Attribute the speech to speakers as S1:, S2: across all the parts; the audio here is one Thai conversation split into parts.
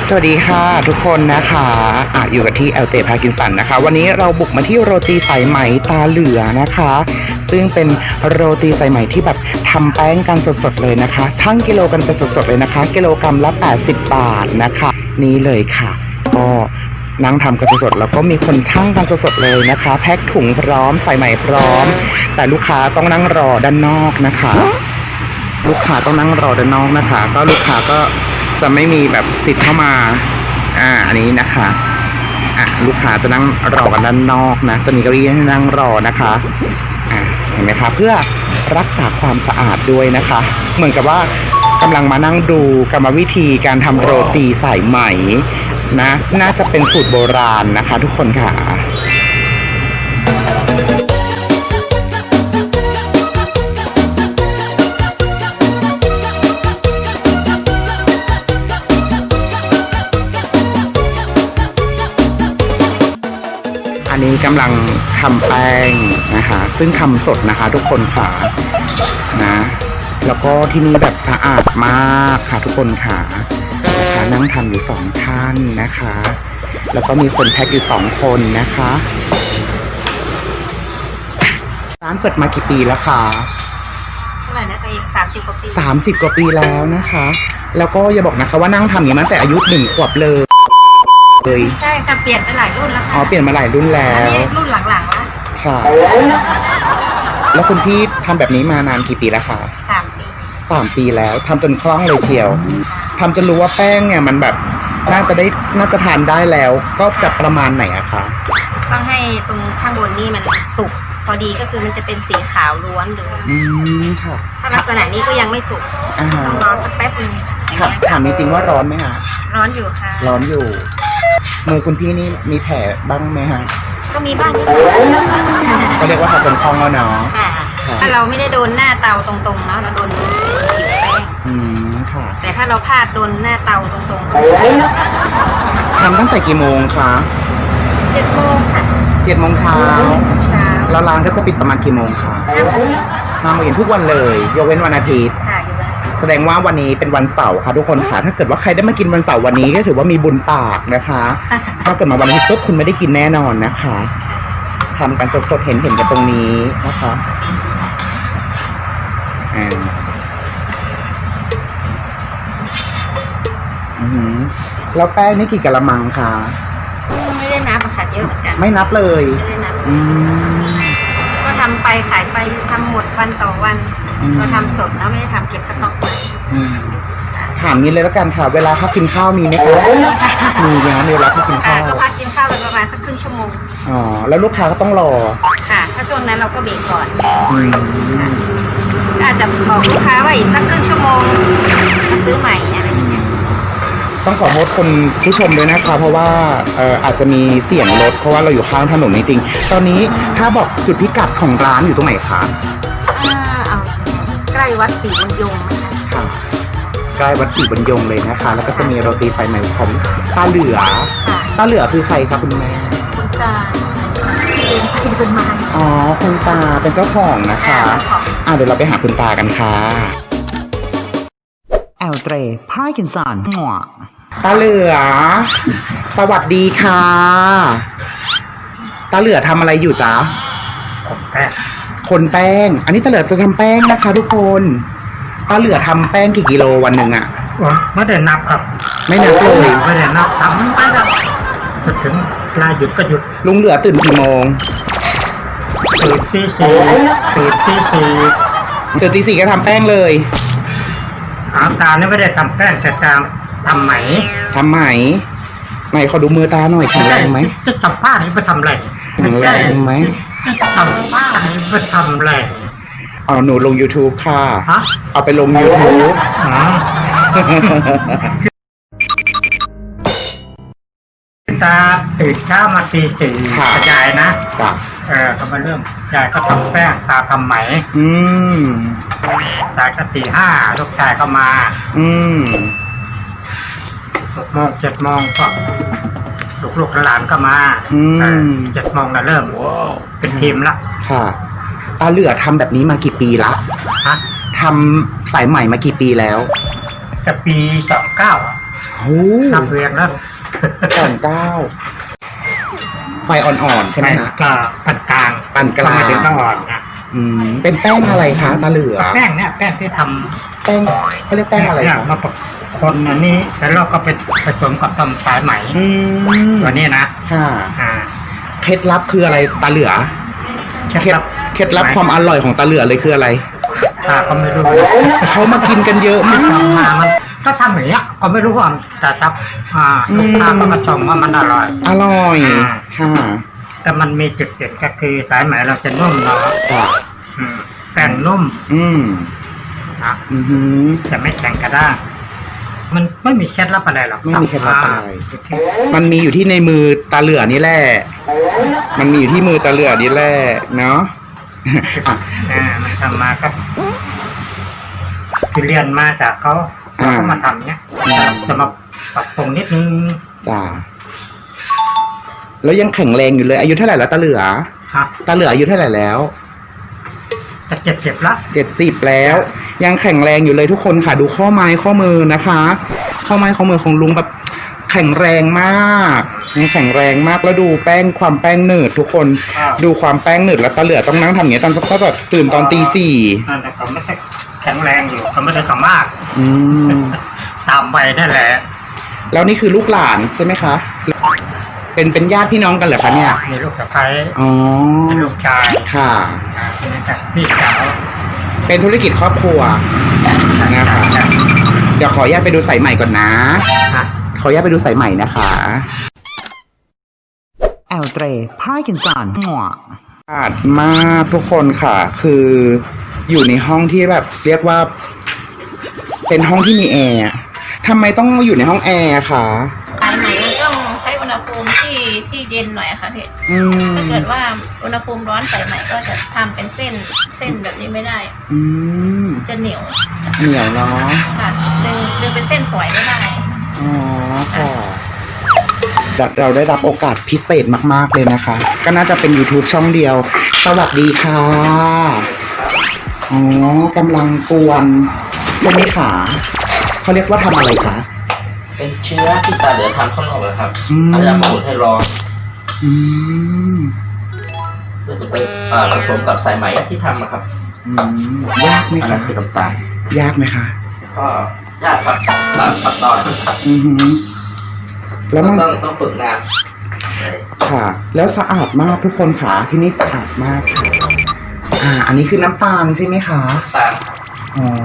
S1: สวัสดีค่ะทุกคนนะคะอยู่กันที่เตพากินสันนะคะวันนี้เราบุกมาที่โรตีสายไหมตาเหลือนะคะซึ่งเป็นโรตีสายไหมที่แบบทำแป้งกันสดๆเลยนะคะชั่งกิโลกันเป็นสดๆเลยนะคะกิโลกรัมละ80 บาทนะคะนี่เลยค่ะก็นั่งทำกันสดๆแล้วก็มีคนชั่งกันสดๆเลยนะคะแพ็คถุงพร้อมสายไหมพร้อมแต่ลูกค้าต้องนั่งรอด้านนอกนะคะลูกค้าต้องนั่งรอด้านนอกนะคะก็ลูกค้าก็จะไม่มีแบบสิทธิ์เข้ามาอันนี้นะคะลูกค้าจะนั่งรอกันด้านนอกนะจะมีเก้าอี้ให้นั่งรอนะคะเห็นไหมคะเพื่อรักษาความสะอาดด้วยนะคะเหมือนกับว่ากำลังมานั่งดูกรรมวิธีการทำโรตีสายไหมนะน่าจะเป็นสูตรโบราณนะคะทุกคนค่ะอันนี้กำลังทำแป้งนะคะซึ่งทำสดนะคะทุกคนค่ะนะแล้วก็ที่นี่แบบสะอาดมากค่ะทุกคนค่ะนั่งทำอยู่2ท่านนะคะแล้วก็มีคนแพ็คอยู่2คนนะคะร้านเปิดมากี่ปีแล้วคะ
S2: เท่าไหร่นะตัวเอง30 กว่าปี
S1: 30 กว่าปีแล้วนะคะแล้วก็อย่าบอกนะคะว่านั่งทำอย่างนั้นแต่อายุ1 ขวบเลย
S2: ใช่ค่ะเปลี่ยนไปหลายรุ่นแล้วค่ะ
S1: เปลี่ยนมาหลายรุ่นแล้ว
S2: อันนี้รุ่นหลังๆแล้ว
S1: ค่ะแล้วคุณพี่ทำแบบนี้มานานกี่ปีแล้วคะ
S2: 3 ปี
S1: 3 ปีแล้วทำจนคล่องเลยเชียวทำจนรู้ว่าแป้งเนี่ยมันแบบน่าจะทานได้แล้วก็จะประมาณไหนอะคะ
S2: ต้องให้ตรงข้างบนนี่มันสุกพอดีก็คือมันจะเป็นสีขาวล้วนเลย
S1: ค่ะ
S2: ถ้าลักษณะนี้ก็ยังไม่สุกต้องรอสักแป๊บนึง
S1: ถามจริงๆว่าร้อนไหมคะ
S2: ร้อนอยู่ค่ะ
S1: ร้อนอยู่มือคุณพี่นี่มีแผลบ้างไหมคะ
S2: ก็มีบ้างนิดหน่อย
S1: ก็เรียกว่าทำจนคล่องแล้วเนาะ
S2: ถ้าเราไม่ได้โดนหน้าเตาตรงๆเนาะเราโดนผิวแป้งแต่ถ้าเราพลาดโดนหน้าเตาตรง
S1: ๆทำตั้งแต่กี่โมงคะ
S2: 7 โมงค่ะ
S1: 7 โมงเช้าแล้วร้านก็จะปิดประมาณกี่โมงคะ5 โมงเย็นทุกวันเลยยกเว้นวันอาทิตย์แสดงว่าวันนี้เป็นวันเสาร์ค่ะทุกคนค่ะถ้าเกิดว่าใครได้มากินวันเสาร์วันนี้ก็ถือว่ามีบุญปากนะคะถ้าเกิดมาวันอาทิตย์ปุ๊บคุณไม่ได้กินแน่นอนนะคะทำกันสดๆเห็นกันตรงนี้นะคะแล้วแป้งนี่กี่กะละมังคะ
S2: ไม่ได้นับค่ะเยอะเหมือนกัน
S1: ไม่นับเลย
S2: ไม่ได้นับก็ทำไปขายไปทำหมดวันต่อวันเราทำสดแล้วไม่ได้ทำเก็บสต็อกไว้
S1: ถามนี้เลยแล้วกันค่ะเวลาพักกินข้าวมีไหมคะมีนะเวลาพักกินข้าว
S2: ก็พักกินข้าวไปประมาณสักครึ่งชั่วโมง
S1: แล้วลูกค้าก็ต้องรอ
S2: ค่ะถ้าช่วงนั้นเราก็เบรกก่อนอาจจะบอกลูกค้าว่าอีกสักครึ่งชั่วโมงมาซื้อใหม่อะไรอย่างเงี้ย
S1: ต้องขอโทษคนผู้ชมด้วยนะคะเพราะว่าอาจจะมีเสียงรถเพราะว่าเราอยู่ข้างถนนจริงๆตอนนี้ถ้าบอกจุดพิกัดของร้านอยู่ตรงไหนคะ
S2: ใกล้วัดศรีบุญยง
S1: ค่ะใกล้วัดศรีบุญยงเลยนะคะแล้วก็จะมีโรตีสายไหมของตาเหลือคือใครคะคุณแม่
S2: คุณตาเป็นไม้
S1: คุณตาเป็นเจ้าของนะคะเดี๋ยวเราไปหาคุณตากันค่ะเตรพากินสันตาเหลือสวัสดีค่ะตาเหลือทำอะไรอยู่จ๊ะคนแป้งอันนี้ตาเหลือจะทำแป้งนะคะทุกคนตาเหลือทำแป้งกี่กิโลวันหนึ่งอะ
S3: ไม่ได้นับครับ
S1: ไม่นับเลย
S3: ไม่ได้นับทำไปแล้วถึงเวลาหยุดก็หยุด
S1: ลุงเหลือตื่นกี่โมง
S3: ตื่นตี 4ตื่น
S1: ตี 4ก็ทำแป้งเลย
S3: ตาเนี่ยไม่ได้ทำแป้งแต่ทำไหม
S1: ไหนขอดูมือตาหน่อยแข็งแรงไหม
S3: จะทำผ้าให้ไปทำอะไร
S1: แข็งแรงไหม
S3: จะทำผ้าให้ไปทำอะไร
S1: หนูลง YouTube ค่ะเอาไปลง YouTube
S3: ตาตื่นเช้ามาตี 4ยายนะก็มาเริ่มยายก็ทำแป้งตาทำไหมตาก็ตี 5ลูกชายก็มา6 โมง 7 โมงก็ลูกหลานก็มา7 โมงก็เริ่มเป็นทีมละ
S1: ค่ะตาเหลือทำแบบนี้มากี่ปีละทำสายใหม่มากี่ปีแล้ว
S3: จะปี 29
S1: โอ้
S3: นับเรียงแล้ว
S1: ไฟอ่อนๆใช่ไหมฮะ
S3: ก็ปานกลาง
S1: ปานกลาง
S3: ไม่ถึงต้องอ่อนนะ
S1: เป็นแป้งอะไรคะตาเหลือ
S3: แป้งเนี่ยแป้งที่ทำ
S1: แป้งเขาเรียกแป้งอะไร
S3: เนี่ย
S1: คะ
S3: มาคนอันนี้เสร็จแล้วก็ไปผสมกับตำสายไหมตัวนี้นะ
S1: ค่ะ
S3: อ่า
S1: เคล็ดลับคืออะไรตาเหลือ เคล็ดลับความอร่อยของตาเหลือเลยคืออะไร
S3: ข้าก็ไม่รู้
S1: เขามากินกันเยอะมาก
S3: ทำมามันก็ทำอย่างเงี้ยก็ไม่รู้ว่าแต่ถ้าลูกค้าก็มาชมว่ามันอร่อย
S1: อร่อยค่ะ
S3: แต่มันมีจุดเด่นก็คือสายไหมเราจะนุ่มเนาะ
S1: ค่ะ
S3: แป้งนุ่ม นะ จะไม่แข็งกระด้างมันไม่มีเคล็ดลับอะไรหรอก
S1: ไม่มีเคล็ดลับอะไร
S3: อยู่ที่
S1: มันมีอยู่ที่ในมือตาเหลือนี่แหละ มันมีอยู่ที่มือตาเหลือนี่แหละเนาะ
S3: มันทำมาก็คือเรียนมาจากเขาเราก็มาทำเนี้ยจะมาปรับปรุงนิดนึง
S1: จ้าแล้วยังแข็งแรงอยู่เลยอายุเท่าไหร่แล้วตาเหลือ
S3: ครับ
S1: ตาเหลืออายุเท่าไหร่แล้ว
S3: จะ70ละ
S1: 70แล้ว ยังแข็งแรงอยู่เลยทุกคนค่ะดูข้อไม้ข้อมือนะคะ ข้อไม้ข้อมือของลุงแบบแข็งแรงมากยังแข็งแรงมากแล้วดูแป้งความแป้งหนืดทุกคนดูความแป้งหนืดแล้วตาเหลือต้องนั่งทำอย่างเงี้ยตอนก็แบบตื่นตอนตี 4
S3: นั่นแต่เขาไม่ได้แข็งแรงอยู่เขาไม่ได้สามารถ
S1: อืม
S3: ตามไปได้แหละ
S1: แล้วนี่คือลูกหลานใช่ไหมคะเป็นญาติพี่น้องกันเหรอคะเนี่ย
S3: มีลูกสะใภ้
S1: อ๋อ
S3: มีลูกชาย
S1: ค่ะ
S3: นี่แต่พี่สาว
S1: เป็นธุรกิจครอบครัวนะคะเดี๋ยวขออนุญาตไปดูสายใหม่ก่อนนะ
S3: ฮะ
S1: ขออนุญาตไปดูสายใหม่นะคะแอลเตรพาร์กินสันหัวอาดมากทุกคนค่ะ คืออยู่ในห้องที่แบบเรียกว่า เป็นห้องที่มีแอร์ทำไมต้องอยู่ในห้องแอร์คะ
S2: สายไหมมันต้องใช้อุณหภูมิที่เย็นหน่อยอะค่ะพี่
S1: อืม
S2: ถ้าเกิดว่าอุณหภูมิร้อนสายไหมก็จะทำเป็นเส้นแบบนี้ไม่ได้
S1: อืม
S2: จะเหนียว
S1: เหนียวเนาะ
S2: ค่ะดึงเป็นเส้นฝอยไม่ได้
S1: อ๋อค่ะเราได้รับโอกาสพิเศษมากๆเลยนะคะ ก็น่าจะเป็น YouTube ช่องเดียว สวัสดีค่ะอ๋อกำลังกวนใช่ไหมคะเขาเรียกว่าทำอะไรคะ
S4: เป็นเชื้อที่ตาเหลือทำข้างนอกนะครับ
S1: อืม
S4: พยายามมาอุ่นให้ร้อน
S1: อืม
S4: เพื่อจะไปผสมกับสายไหมที่ทำนะครับ
S1: อืมยากไหม
S4: อัน
S1: คะ
S4: นั้นคือน้ำตาล
S1: ยากไหมคะ
S4: ก็ยากครับตามขั้นตอน
S1: อือหือแล้วมัน
S4: ต้องฝึกงาน
S1: ค่ะ แล้วสะอาดมากทุกคนค่ะที่นี่สะอาดมากค่ะอันนี้คือน้ำตาลใช่ไหมคะ
S4: ตาม
S1: อ๋อ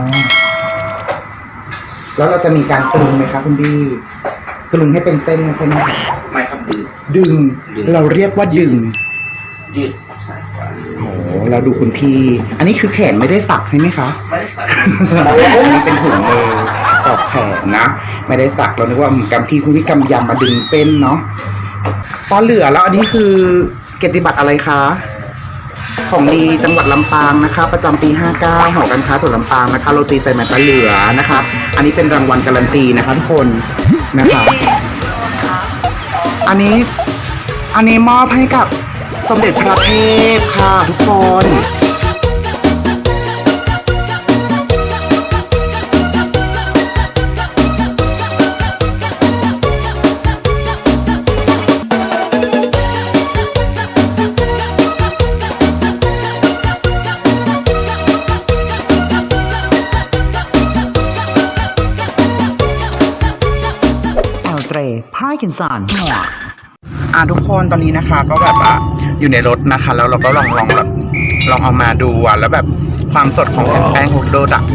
S1: แล้วเราจะมีการกลึงไหมคะคุณพี่กลึงให้เป็นเส้นใช่ไหมคะ
S4: ไม่ครับดึง
S1: ดึง เราเรียกว่าดึง
S4: ยืดสับสายกว่า
S1: โอ้เราดูคุณพี่ อันนี้คือแขนไม่ได้สักใช่ไหมคะ
S4: ไม่ได้ใส่
S1: อันนี้เป็นถุงมือตอกแขนนะ ไม่ได้สักเรานึกว่ากำพี่คุณพี่กำยำมาดึงเส้นเนาะตอนเหลือแล้วอันนี้คือเกียรติบัตรอะไรคะ ของดีจังหวัดลำปางนะคะ ประจำปี 59หอการค้าส่วนลำปางนะคะโรตีใส่แมตตาเหลือนะคะ อันนี้เป็นรางวัลการันตีนะคะทุกคนนะคะ อันนี้มอบให้กับสมเด็จพระเทพค่ะทุกคน แอลเตรพาร์กินสันทุกคนตอนนี้นะคะ ก็แบบว่าอยู่ในรถนะคะ แล้วเราก็ลองเอามาดูแล้วแบบความสดของแผ่นแป้งฮกโดดอ่ะ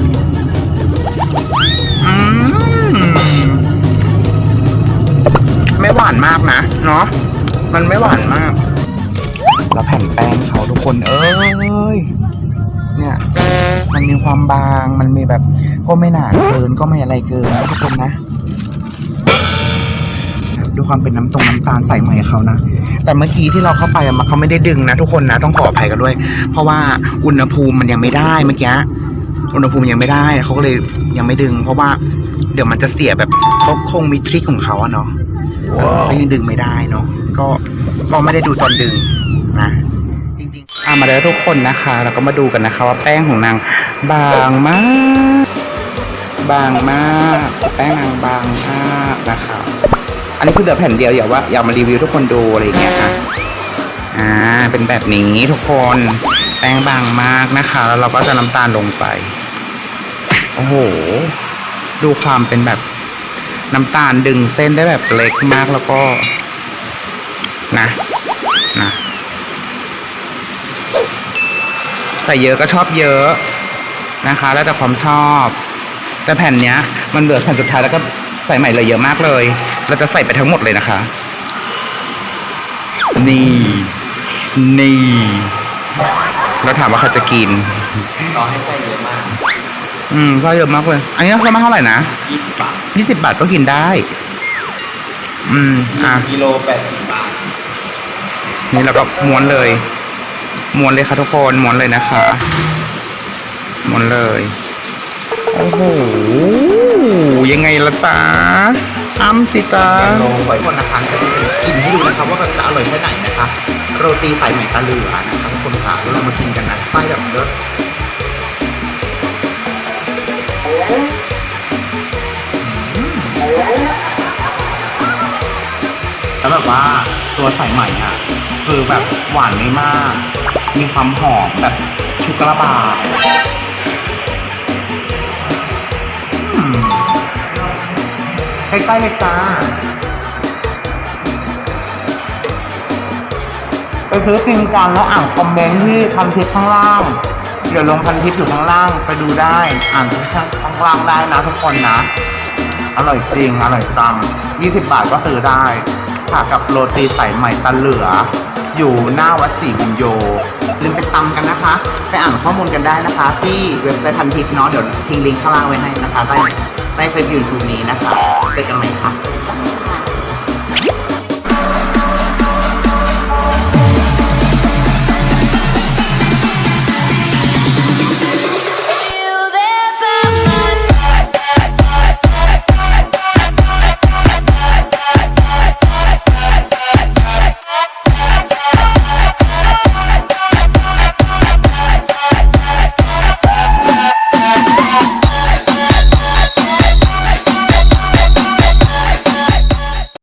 S1: ไม่หวานมากนะเนาะมันไม่หวานมาก แล้วแผ่นแป้งเขาทุกคนเอ้ยเนี่ยมันมีความบางมันมีแบบก็ไม่หนาเกินก็ไม่อะไรเกินนะทุกคนนะดูความเป็นน้ำตาลใส่ใหม่เขานะแต่เมื่อกี้ที่เราเข้าไปเขาไม่ได้ดึงนะทุกคนนะต้องขออภัยกันด้วยเพราะว่าอุณหภูมิมันยังไม่ได้เมื่อกี้อุณหภูมิยังไม่ได้เขาก็เลยยังไม่ดึง เพราะว่าเดี๋ยวมันจะเสียแบบเขาคงมีทริคของเขาอะเนาะก็ยังดึงไม่ได้เนาะก็ไม่ได้ดูตอนดึงนะจริงๆมาแล้วทุกคนนะคะเราก็มาดูกันนะคะว่าแป้งของนางบางมากบางมากแป้งนางบางมากนะคะอันนี้คือเหลือแผ่นเดียวอย่ามารีวิวทุกคนดูอะไรอย่างเงี้ยค่ะเป็นแบบนี้ทุกคนแป้งบางมากนะคะ แล้วเราก็จะน้ำตาลลงไปโอ้โหดูความเป็นแบบน้ำตาลดึงเส้นได้แบบเล็กมากแล้วก็นะใส่เยอะก็ชอบเยอะนะคะแล้วแต่ความชอบแต่แผ่นเนี้ยมันเหลือแผ่นสุดท้ายแล้วก็ใส่ใหม่เลยเยอะมากเลยเราจะใส่ไปทั้งหมดเลยนะคะนี่เราถามว่าใครจะกิน
S4: ต่อให้ไส้เยอะมาก
S1: ก็เยอะมากเลยอันนี้เรามาเท่าไหร่นะ
S4: 20 บาท
S1: 20 บาทก็กินได้
S4: กิโล80 บาท
S1: นี่เราก็ม้วนเลยค่ะทุกคนม้วนเลยนะคะม้วนเลยโอ้โหยังไงล่ะจ๊ะอ้ำสิจ๊ะลงไว้คนนะคะจะกินให้ดูนะครับว่ามันจะอร่อยแค่ไหนนะคะโรตีสายไหมตาเหลือนะคะทุกคนค่ะแล้วเรามากินกันนะไส้แบบเลิศแล้วแบบว่าตัวสายไหมอ่ะคือแบบหวานไม่มากมีความหอมแบบชุกระบาดใกล้ๆเลยจ้าไปซื้อกินกันแล้วอ่านคอมเมนต์ที่พันทิปข้างล่างเดี๋ยวลงพันทิปอยู่ข้างล่างไปดูได้อ่านข้างล่างได้นะทุกคนนะอร่อยจริงอร่อยจัง20 บาทก็ซื้อได้ค่ะกับโรตีสายไหมตาเหลืออยู่หน้าวัดศรีบุญโยลืมไปตำกันนะคะไปอ่านข้อมูลกันได้นะคะที่เว็บไซต์พันทิปเนาะเดี๋ยวทิ้งลิงก์ข้างล่างไว้ให้นะคะใต้คลิป YouTube นี้นะคะเจอกันใหม่ค่ะ